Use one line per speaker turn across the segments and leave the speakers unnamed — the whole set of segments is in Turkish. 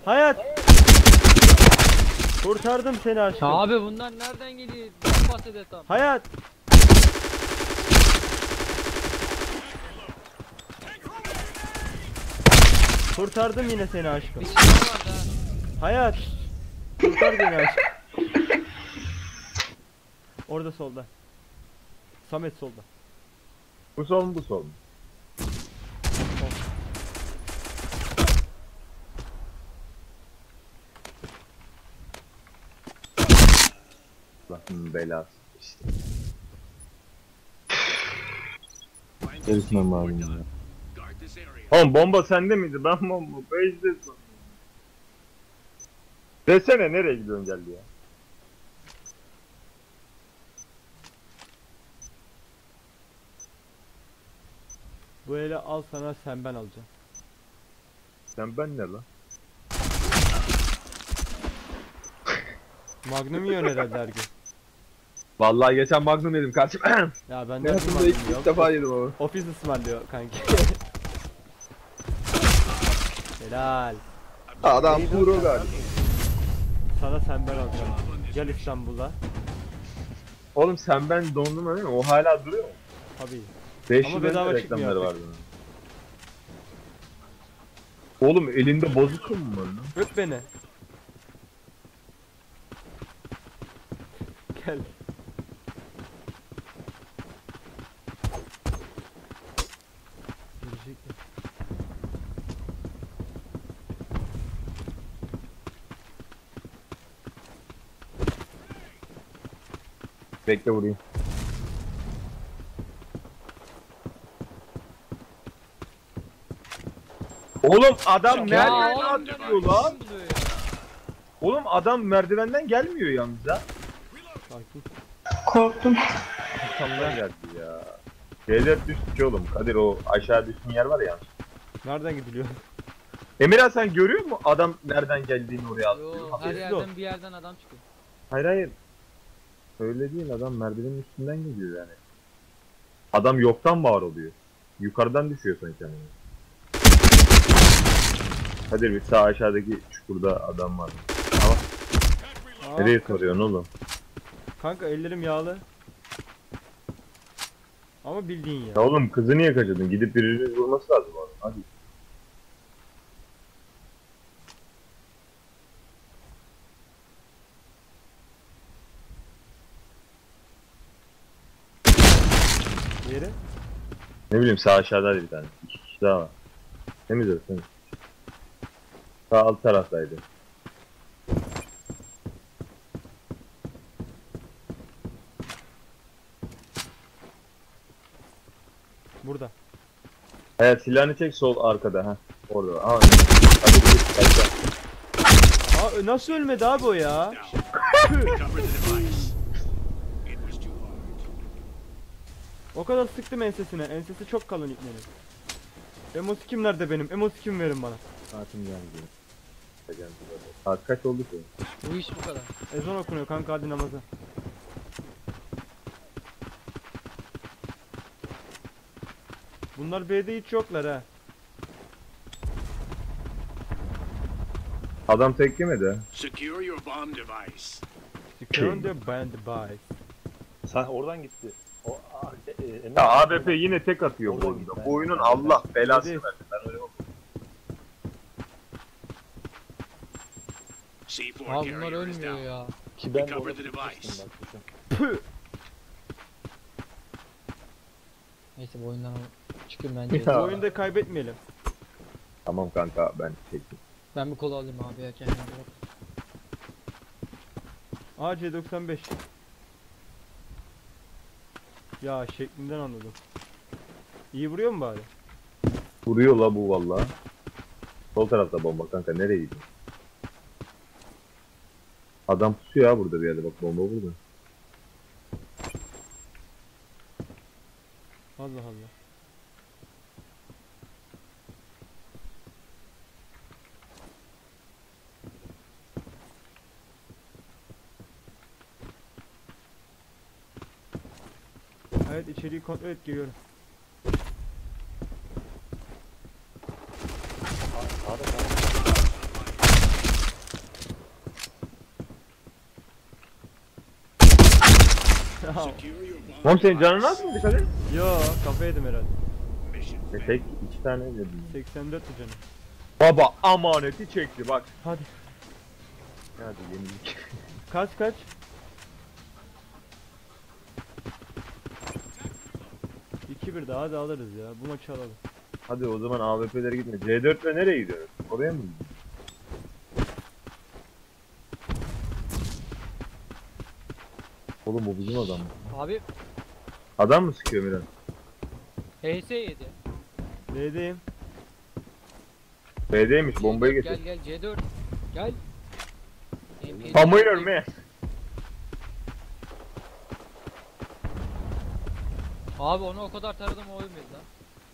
Hayat. Kurtardım seni aşkım.
Abi bunlar nereden geliyor? Ben bahsede tam.
Hayat. Kurtardım yine seni aşkım.
Bir şey var da.
Hayat. Kurtar beni aşkım. Orada solda. Samet solda.
Bu sol mu bu sol mu? Allah'ın belası işte. Gerisine malum ya. Oğlum bomba sende miydi? Ben bomba base'de sandım. Desene nereye gidiyorsun geldi ya?
Bu ele al sana, sen ben alacağım.
Sen ben ne lan?
Magnum yiyor herhalde her gün.
Vallahi geçen Magnum yedim kardeşim.
Ya ben de
Hayatımda
Magnum
ilk
yok.
defa yedim ama.
Ofis ısmarlıyor kanki. Helal.
Adam pro galiba.
Sana sen ben alacağım. Gel İstanbul'a.
Oğlum sen ben dondurma değil mi? O hala duruyor mu?
Tabii.
5
Ama bedava
reklamları
çıkmıyor
vardı. Oğlum elinde bozuk mu var lan?
Öp beni. Gel. Girecek mi?
Bekle vurayım. Oğlum adam
Ya
merdivenden
oğlum,
atıyor lan. Oğlum adam merdivenden gelmiyor yalnız ha.
Sakin.
Korktum.
Kamdan geldi ya. Şeyler düştü oğlum. Kadir o aşağı düştüğün yer var ya.
Nereden gidiliyor?
Emirhan sen görüyor musun adam nereden geldiğini oraya atlıyor?
Yo, her
Habersiz
yerden bir yerden adam çıkıyor.
Hayır hayır. Öyle değil adam merdivenin üstünden gidiyor yani. Adam yoktan var oluyor. Yukarıdan düşüyor sen kendine. Kadir bir sağ aşağıdaki çukurda adam var.
Aa,
Nereye soruyorsun oğlum?
kanka ellerim yağlı. Ama bildiğin ya.
Ya oğlum kızı niye kaçırdın? Gidip birinin vurması lazım oğlum. Hadi.
Yeri.
Ne bileyim sağ aşağıda bir tane. İki kişi daha var. Temiz o temiz. Sağ alt taraftaydı.
Burada.
Evet silahını çek sol arkada ha. Orada. Aa, hadi git kaçta.
Aa nasıl ölmedi abi o ya? O kadar sıktım ensesine. Ensesi çok kalın ipnenin. Emosi kim nerede benim? Emosi kim verin bana?
Saatim geldi. Saat kaç oldu ki?
Bu iş bu kadar.
Ezan okunuyor kanka, hadi namaza. Bunlar B'de hiç yoklar ha.
Adam tek yemedi.
Secure your bomb device.
Secure the band by.
Sen oradan gitti. O Emre,
Ya ABP yine tek atıyor bu
Oradan
oyunda.
git,
Bu oyunun
ben-
Allah belasını
Hadi.
versin. Ben öyle
C4
Abi bunlar
carrier is
ölmüyor
down.
ya.
ki ben de
Recover
orada
the
tutmuştum
device.
bak düşün.
Neyse bu oyundan çıkayım bence.
Ya.
Bu oyunda kaybetmeyelim.
Tamam kanka ben çektim.
Ben bir kola alayım abi ya kendime.
AC95. Ya şeklinden anladım. İyi vuruyor mu bari?
Vuruyor la bu valla. Sol tarafta bomba kanka nereye gidiyor? Adam pusuyor ya burada bir yerde bak bomba burada.
Allah Allah. Evet, içeriği kontrol et, geliyorum.
Sağda
Secure your bomb
Oğlum senin canın
device.
az mı dikkat et?
Yo kafa yedim herhalde.
Mission
Tek 2 tane dedim.
84 canım.
Baba amaneti çekti bak.
Hadi.
Hadi yenilik.
Kaç kaç? İki bir daha da alırız ya. Bu maçı alalım.
Hadi o zaman AWP'lere gitme. C4 ile nereye gidiyoruz? Oraya mı gidiyoruz? Oğlum bu bizim adam mı?
Abi
Adam mı sıkıyor Miran?
HS yedi.
B'deyim.
B'deymiş bombayı
Gel
getir.
gel C4. Gel. MP
Come here man.
Abi onu o kadar taradım o ölmedi lan.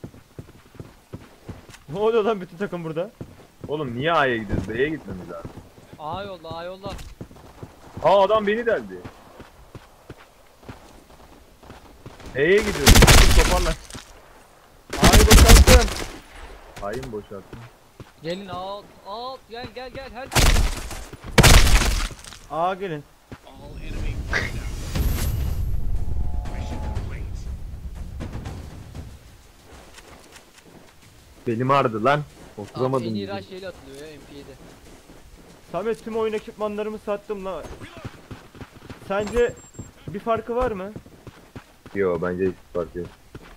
Ne oluyor lan bütün takım burada?
Oğlum niye A'ya gidiyoruz? B'ye gitmemiz lazım.
A yolla A yolla.
Aa adam beni deldi. E'ye gidiyoruz. Toparlan.
A'yı boşalttım.
A'yı mı boşalttın?
Gelin alt alt gel gel gel her.
A gelin.
all enemy wiped out. Mission complete.
Belim ağrıdı lan.
En
Oturamadım.
iyi
bile.
rush yeli atılıyor ya MP7.
Samet tüm oyun ekipmanlarımı sattım la. Sence bir farkı var mı?
Yo bence hiç fark yok.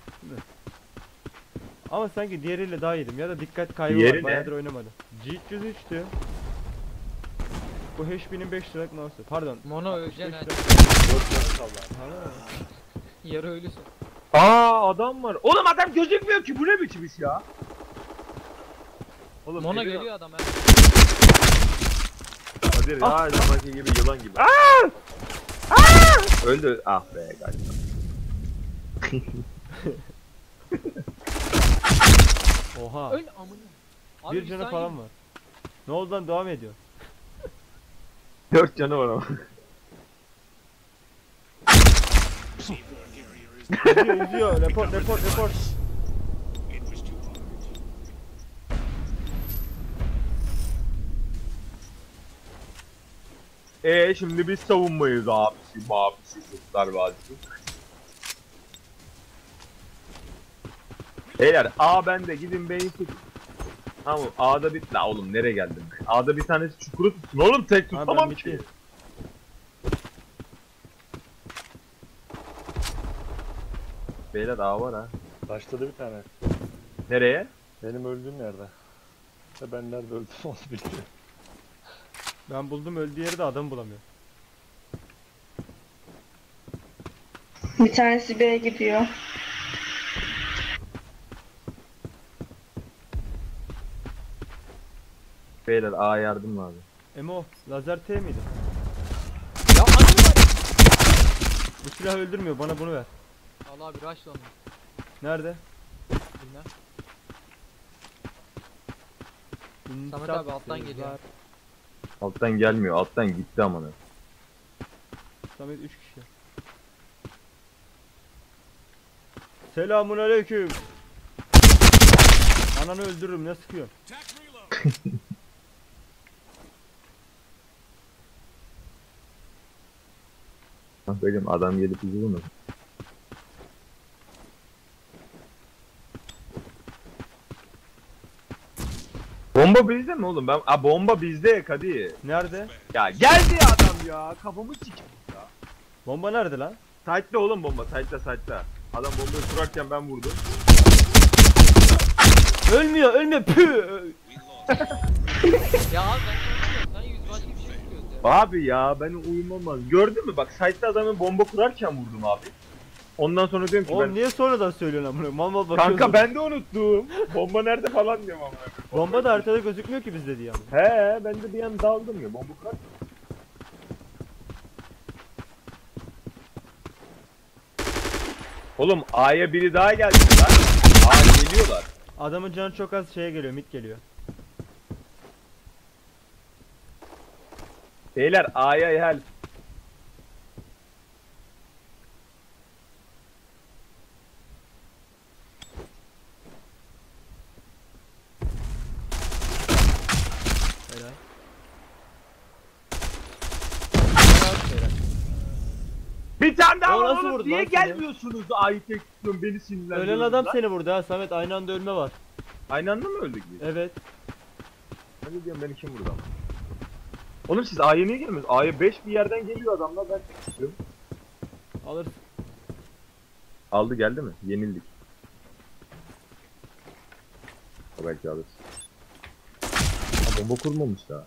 Ama sanki diğeriyle daha iyiydim ya da dikkat kaybı
Diğeri
var.
ne?
Bayağıdır oynamadım. G303 diyor. Bu HP'nin 5 liralık mouse'u. Pardon.
Mono öleceksin hadi.
5
4 canı kaldı.
Ha.
Yarı ölüsün.
Aa adam var. Oğlum adam gözükmüyor ki. Bu ne biçim iş ya? Oğlum
Mono
Emir-
geliyor adam ha.
Hadi ya zamanki gibi yılan gibi. Öldü. Ah be galiba.
Oha.
Öl amına. Abi
Bir canı
saniye.
falan var. Ne oldu lan devam ediyor.
4 canı var ama.
Seaborne carrier is
Yüzüyor. Report report report.
it was too hard.
Şimdi biz savunmayız abisi, babisi, Kurtlar Vadisi. Beyler A bende gidin B'yi tutun. Tamam A'da bir... La oğlum nereye geldim ben? A'da bir tanesi çukuru tutsun oğlum tek
Ha,
tutamam
ben
ki.
bitti.
Beyler A var ha.
Başladı bir tane.
Nereye?
Benim öldüğüm yerde. Ve ben nerede öldüm onu bilmiyorum.
Ben buldum öldüğü yeri de adam bulamıyor.
Bir tanesi B'ye gidiyor.
Beyler A yardım abi.
Emo lazer T miydi?
Ya anne var.
Bu silah öldürmüyor bana bunu ver.
Allah abi rush onu.
Nerede?
Bilmem. Samet abi alttan
İnsaf
geliyor.
var.
Alttan gelmiyor alttan gitti amına.
Samet 3 kişi. Selamun aleyküm. Ananı öldürürüm ne sıkıyor?
Attack reload.
Kankacım adam gelip bizi bulmadı. Bomba bizde mi oğlum? Bomba bizde Kadi.
Nerede?
Ya geldi ya adam ya. Kafamı sikeyim ya.
Bomba nerede lan?
Sight'ta oğlum bomba. Sight'ta. Adam bombayı kurarken ben vurdum.
Ölmüyor ölmüyor püh.
Ya abi ben konuşuyorum. Sen yüz başka bir şey çıkıyoruz ya.
Abi ya ben uyumam. Gördün mü bak sight'ta adamın bomba kurarken vurdum abi. Ondan sonra diyorum ki
Oğlum niye sonradan söylüyorsun amına? Mal mal
ben...
bakıyorsun.
Kanka ben de unuttum. Bomba nerede falan diyorum ama.
Bomba da haritada gözükmüyor ki bizde diye ama.
He ben de bir an daldım ya bomba kurarken. Oğlum A'ya biri daha geldi lan. A geliyorlar.
Adamın canı çok az şeye geliyor mid geliyor.
Beyler A'ya help.
Helal.
Bir tane daha
O
var
nasıl
oğlum.
vurdu
Niye
lan seni?
gelmiyorsunuz? Ayı tek tutuyorum beni sinirlendiriyorsunuz
Ölen adam
lan.
seni vurdu ha Samet, aynı anda ölme var.
Aynı anda mı öldük biz?
Evet.
Hadi diyorum beni kim vurdu ama? Oğlum siz A'ya niye gelmiyorsunuz? A'ya 5 bir yerden geliyor adamlar, ben tek tutuyorum.
Alırsın.
Aldı geldi mi? Yenildik. O belki alır. Ha, bomba kurmamış daha.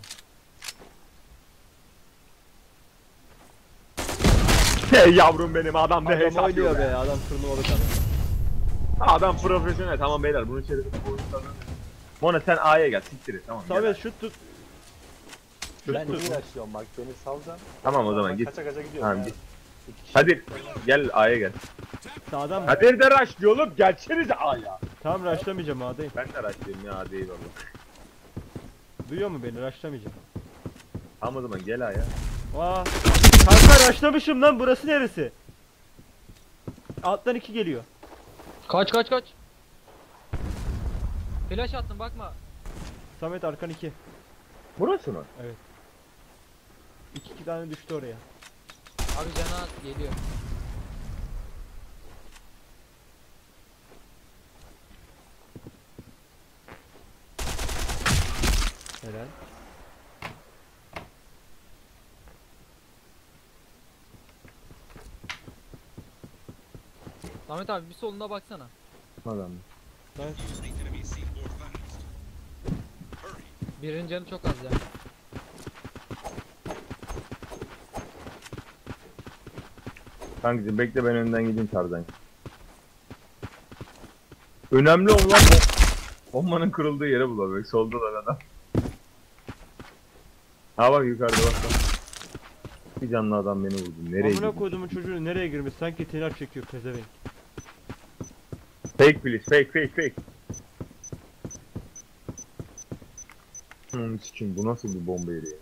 Hey yavrum benim, adam ne
Adam
hesap
oynuyor
yok.
be, adam turnuvalık adam.
Adam profesyonel. Tamam beyler, bunun içerisinde bu oyunculardan. Mona sen A'ya gel, siktir et, tamam. gel.
Samet şut tut.
Ben iyi yaşıyorum bak, beni salcan.
Tamam o zaman
Ben
git.
Kaça kaça gidiyorum
Tamam
ya.
git.
İki kişi.
Hadi gel A'ya gel.
Sağdan mı?
Hadi de rush oğlum, gelsenize A'ya.
Tamam rushlamayacağım adayım.
Ben de rushlayayım ya, hadi eyvallah.
Duyuyor mu beni? Rushlamayacağım.
Tamam o zaman gel A'ya.
Aa. Kanka rushlamışım lan, burası neresi? Alttan 2 geliyor.
Kaç kaç kaç. Flash attım bakma.
Samet arkan 2.
Burası mı?
2 tane düştü oraya.
Abi cana geliyor.
Helal.
Ahmet abi bir soluna baksana.
Adam.
Samet.
Enemy C4 fast. Hurry.
Birinin canı çok az ya.
Kankacım bekle, ben önden gideyim Tarzan. Önemli olan bombanın kırıldığı yere bulamak. Solda da adam. Ha bak yukarıda bak. Bir canlı adam beni vurdu. Nereye
Amına
gidiyor?
koyduğumun çocuğu nereye girmiş? Sanki tenar çekiyor pezevenk.
Fake please, fake. Sikim, bu nasıl bir bomba yeri ya?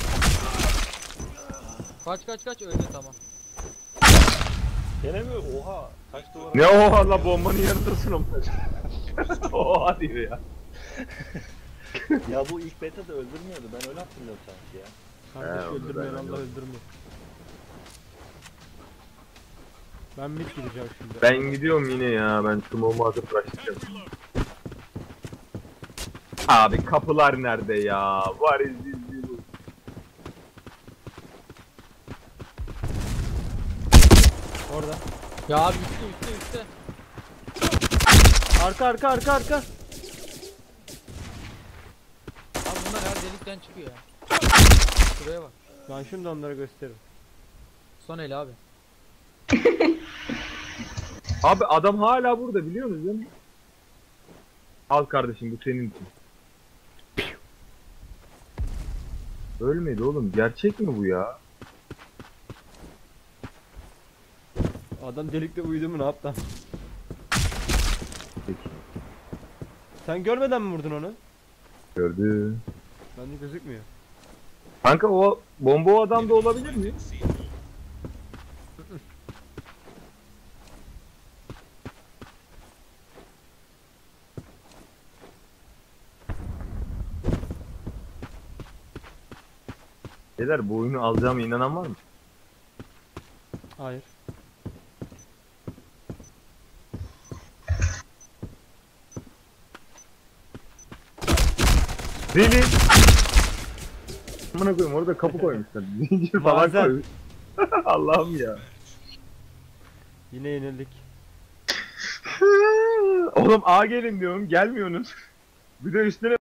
Kaç kaç kaç öldü tamam.
Gene mi? Oha. Kaç dolar?
Ne oha la, bombanın yanındasın ama. Oha diyor ya.
Ya bu ilk beta'da öldürmüyordu. Ben öyle hatırlıyorum sanki ya.
Kardeş
He, onu
öldürmeyen
ben
Allah
anladım.
öldürmüyor. Ben mid gideceğim şimdi.
Ben gidiyorum yine ya, ben smoke'u atıp başlayacağım. Abi kapılar nerede ya? Var izin.
Orada.
Ya abi üstte.
Arka.
Abi bunlar her delikten çıkıyor ya. Şuraya bak.
Ben şimdi onlara gösteririm.
Son el abi.
Abi adam hala burada, biliyor musun değil mi? Al kardeşim, bu senin için. Ölmedi oğlum, gerçek mi bu ya?
Adam delikte uyudu mu, ne yaptı?
Peki.
Sen görmeden mi vurdun onu?
Gördü.
Bende gözükmüyor.
Kanka o bomba o adamda olabilir mi?
C4.
Beyler, bu oyunu alacağıma inanan var mı?
Hayır.
Deli. Amına koyayım, orada kapı koymuşlar. Zincir falan
Bazen.
koymuş. Allah'ım ya.
Yine yenildik.
Oğlum A gelin diyorum, gelmiyorsunuz. Bir de üstüne